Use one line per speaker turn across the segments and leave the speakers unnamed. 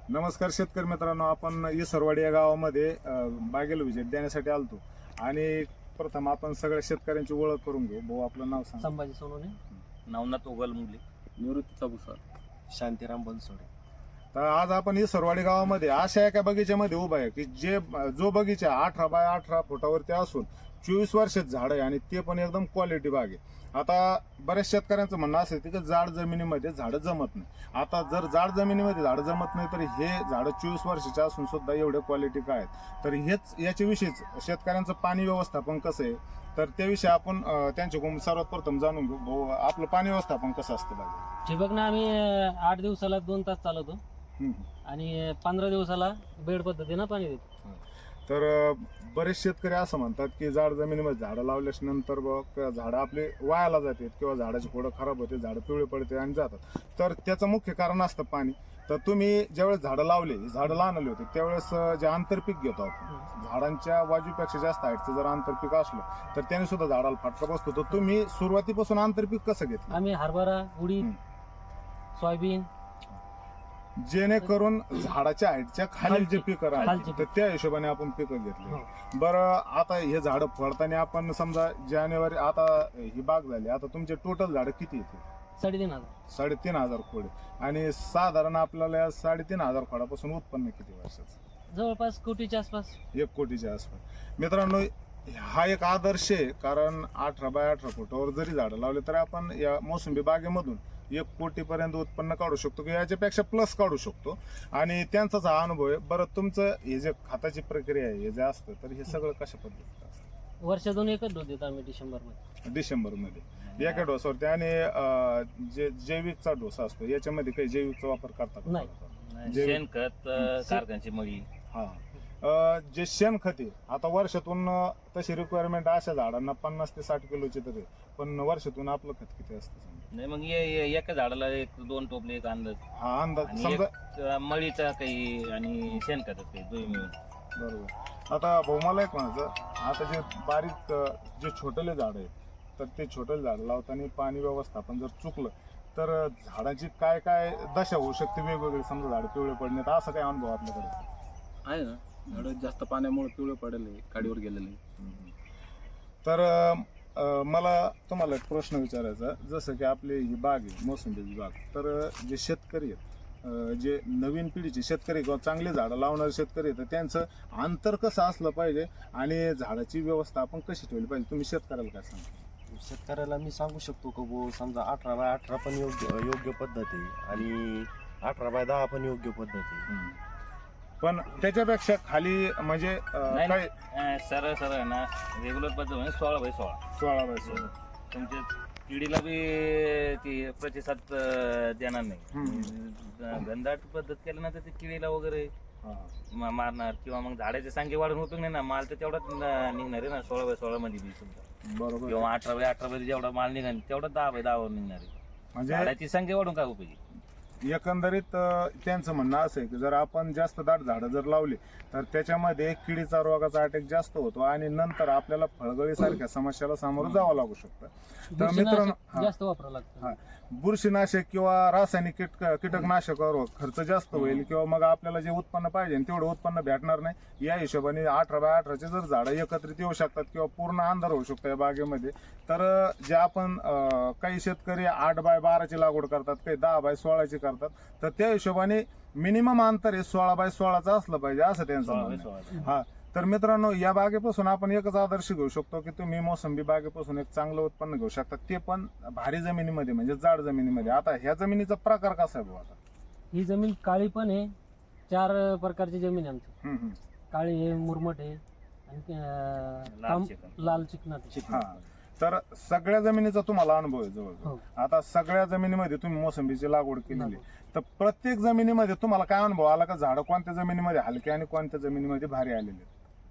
नमस्कार शेतकरी मित्रांनो, आपण इसरवाडी या गावामध्ये बागेला व्हिजिट देण्यासाठी आलतो आणि प्रथम आपण सगळ्या शेतकऱ्यांची ओळख करून घेऊ. भाऊ आपलं नाव सांग.
संभाजी सोनवणे,
नवनाथ उगल मुली,
निवृत्ती चबुसर,
शांतीराम बनसोडे.
तर आज आपण इसरवाडी गावामध्ये अशा एका बगीच्यामध्ये उभा आहे की जो बगीचा 18 बाय 18 फुटावरती असून 24 वर्षात झाड आहे आणि ते पण एकदम क्वालिटी बाग आहे. आता बऱ्याच शेतकऱ्यांचं म्हणणं असं की जाड जमिनीमध्ये झाडं जमत नाही. आता जर जाड जमिनीमध्ये झाडं जमत नाही तर हे झाडं 24 वर्षाचे असून सुद्धा एवढे क्वालिटी काय आहेत, तर हेच याच्याविषयीच शेतकऱ्यांचं पाणी व्यवस्थापन कसं आहे तर त्याविषयी आपण त्यांच्याकडून सर्वात प्रथम जाणून घेऊ. भाऊ, आपलं पाणी व्यवस्थापन कसं असतं बागेत?
ठिबकनं आम्ही 8 दिवसाला 2 तास चालवतो आणि 15 दिवसाला बेड पद्धतीनं पाणी देतो.
तर बरेच शेतकरी असं म्हणतात की जाड जमिनीमध्ये झाडं लावल्याच्या नंतर बघ झाडं आपले वायाला जातात किंवा झाडाची खोडं खराब होते, झाडं पिवळे पडते आणि जातात. तर त्याचं मुख्य कारण असतं पाणी. तर तुम्ही ज्यावेळेस झाडं लावले, झाडं लहानले होते त्यावेळेस जे आंतरपीक घेतो आपण, झाडांच्या बाजूपेक्षा जास्त हाईटचं जर आंतरपीक असलं तर त्याने सुद्धा झाडाला फटका बसतो. तर तुम्ही सुरुवातीपासून आंतरपीक कसं घेतलं?
आम्ही हरभरा, उडीद, सोयाबीन,
जेणेकरून झाडाच्या हाईटच्या खाली जे पिकं
खालची
राहतात तर त्या हिशोबाने आपण पिकं घेतली. बरं, आता हे झाडं फळताना आपण समजा जानेवारी, आता ही बाग झाली, आता तुमचे टोटल झाडं किती येते?
3,500.
3,500 खोडे. आणि साधारण आपल्याला या 3,500 खोडापासून उत्पन्न किती वर्षाचं?
जवळपास कोटीच्या आसपास.
1 कोटीच्या आसपास. मित्रांनो, हा एक आदर्श आहे, कारण 18 बाय 18 फुटावर जरी झाडं लावले तर आपण या मोसंबी बागेमधून 1 कोटीपर्यंत उत्पन्न काढू शकतो किंवा याच्यापेक्षा प्लस काढू शकतो. आणि त्यांचाच हा अनुभव आहे. बरं, तुमचं हे जे खताची प्रक्रिया आहे हे जे असतं तर हे सगळं कशा पद्धतीचं असतं?
वर्षातून एकच डोस देतो आम्ही डिसेंबरमध्ये.
डिसेंबरमध्ये एका डोसावरती. आणि जे जैविकचा डोसा असतो याच्यामध्ये काही जैविकचा वापर करतात?
नाही.
शेणखत, कारखान्याची मळी.
हा, जे शेणखत आहे, आता वर्षातून तशी रिक्वायरमेंट अशा झाडांना 50 ते 60 किलोची तरी, पण वर्षातून आपलं खत किती असतं समजा?
नाही, मग एका झाडाला 1-2 टोपले एक अंदाज.
हा अंदाज
आणि
समजा.
एक मळीचा काही आणि शेणखत काही दोन्ही मिळून.
बरोबर. आता भाऊ, मला एक म्हणायचं, आता जे बारीक जे छोटले झाड आहे तर ते छोटले झाड लावताना पाणी व्यवस्थापन जर चुकलं तर झाडाची काय काय दशा होऊ शकते वेगवेगळी? समजा झाड पिवळे पडणे, तर असं काय अनुभव आपल्याकडे
आहे ना. झाडं जास्त पाण्यामुळे पिवळे पडले, काडीवर गेलेले.
तर मला तुम्हाला एक प्रश्न विचारायचा. जसं की आपली ही बाग आहे मोसंबीची बाग, तर जे शेतकरी आहेत, जे नवीन पिढीचे शेतकरी किंवा चांगले झाडं लावणारे शेतकरी आहेत, तर त्यांचं अंतर कसं असलं पाहिजे आणि झाडाची व्यवस्था आपण कशी ठेवली पाहिजे? तुम्ही शेतकऱ्याला काय सांगा?
शेतकऱ्याला मी सांगू शकतो की वो समजा 18 बाय 18 पण योग्य पद्धत आहे आणि 18 बाय 10 पण योग्य पद्धत आहे.
पण त्याच्यापेक्षा खाली म्हणजे काय
सरळ सरळ ना रेग्युलर पद्धत म्हणजे 16 बाय 16.
16 बाय 16.
तुमच्या किडीला बी ती प्रतिसाद देणार नाही. घनदाट पद्धत केल्यानंतर ते किडीला वगैरे मारणार किंवा मग झाडाची संख्या वाढून उपयोग नाही ना. माल तर तेवढाच निघणार आहे ना 16 बाय 16 मध्ये बी समजा,
बरोबर.
किंवा 18 बाय 18 मध्ये जेवढा माल निघाल तेवढा 10 बाय 10 वर निघणार आहे.
म्हणजे
झाडाची संख्या वाढून काय उपयोगी?
एकंदरीत त्यांचं म्हणणं असं आहे की जर आपण जास्त दाट झाडं जर लावली तर त्याच्यामध्ये किडीचा रोगाचा अटॅक जास्त होतो आणि नंतर आपल्याला फळगळी सारख्या समस्याला सामोरं जावं लागू शकतं. तर मित्रांनो,
जास्त वापरावं लागतं.
बुरशीनाशक किंवा रासायनिक कीटकनाशकावर खर्च जास्त होईल किंवा मग आपल्याला जे उत्पन्न पाहिजे तेवढं उत्पन्न भेटणार नाही. या हिशोबाने 18 बाय 18 जर झाडं एकत्रित येऊ शकतात किंवा पूर्ण अंधार होऊ शकतो या बागेमध्ये, तर जे आपण काही शेतकरी 8 बाय 12 लागवड करतात, काही 10 बाय 16 करतात, तर त्या हिशोबाने मिनिमम अंतर हे 16 बाय 16 असलं पाहिजे असं त्यांचं म्हणणं आहे. हा, तर मित्रांनो, या बागेपासून आपण एकच आदर्श घेऊ शकतो की तुम्ही मोसंबी बागेपासून एक चांगलं उत्पन्न घेऊ शकता, ते पण भारी जमिनीमध्ये म्हणजे जाड जमिनीमध्ये. आता ह्या जमिनीचा प्रकार कसा आहे भाऊ? आता
ही जमीन काळी पण आहे. 4 प्रकारची जमीन आहे आमची. काळी आहे, मुरमट आहे आणि लाल चिकनाट आहे.
हा, तर सगळ्या जमिनीचा तुम्हाला अनुभव आहे जवळ. आता सगळ्या जमिनीमध्ये तुम्ही मोसंबीची लागवड केलेली, तर प्रत्येक जमिनीमध्ये तुम्हाला काय अनुभव आला का झाडं कोणत्या जमिनीमध्ये हलके आणि कोणत्या जमिनीमध्ये भारी आलेले?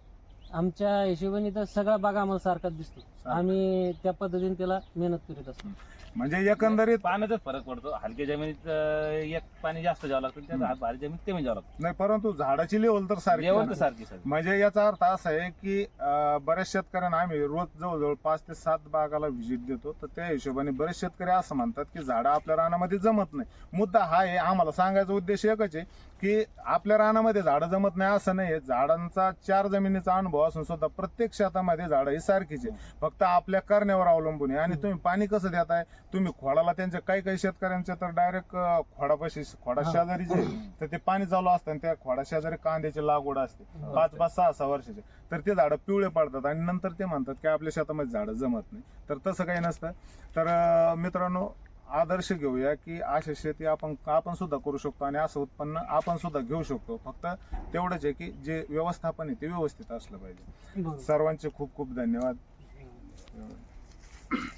आमच्या हिशोबाने तर सगळा बागा आम्हाला सारखाच दिसतो. आम्ही त्या पद्धतीने त्याला मेहनत करीत असतो.
म्हणजे एकंदरीत
पाण्याचाच फरक पडतो. हलक्या जमिनीत एक पाणी जास्त द्यावं लागतं, त्या भारी जमिनीत कमी द्यावं लागतं.
नाही, परंतु झाडाची लेवल तर सारखी
जेवण
आहे
तर
ना.
सारखी सारखी.
म्हणजे याचा अर्थ असा आहे की बऱ्याच शेतकऱ्यांना आम्ही रोज जवळजवळ 5 ते 7 बागाला व्हिजिट देतो. तर त्या हिशोबाने बरेच शेतकरी असं म्हणतात की झाडं आपल्या रानामध्ये जमत नाही. मुद्दा हा आहे, आम्हाला सांगायचा उद्देश एकच आहे की आपल्या रानामध्ये झाडं जमत नाही असं नाही. झाडांचा 4 जमिनीचा अनुभव असून सुद्धा प्रत्येक शेतामध्ये झाडं ही सारखीच आहे, फक्त आपल्या करण्यावर अवलंबून आहे. आणि तुम्ही पाणी कसं देताय, तुम्ही खोडाला त्यांच्या काही शेतकऱ्यांच्या तर डायरेक्ट खोडा शेजारी जे तर ते पाणी चालू असतं आणि त्या खोडा शेजारी कांद्याची लागवड असते 5-5, 6-6 वर्षाचे. तर ते झाडं पिवळे पडतात आणि नंतर ते म्हणतात की आपल्या शेतामध्ये झाडं जमत नाही. तर तसं काही नसतं. तर मित्रांनो, आदर्श घेऊया की अशी शेती आपण सुद्धा करू शकतो आणि असं उत्पन्न आपण सुद्धा घेऊ शकतो. फक्त तेवढंच आहे की जे व्यवस्थापन आहे ते व्यवस्थित असलं पाहिजे.
बरोबर.
सर्वांचे खूप खूप धन्यवाद.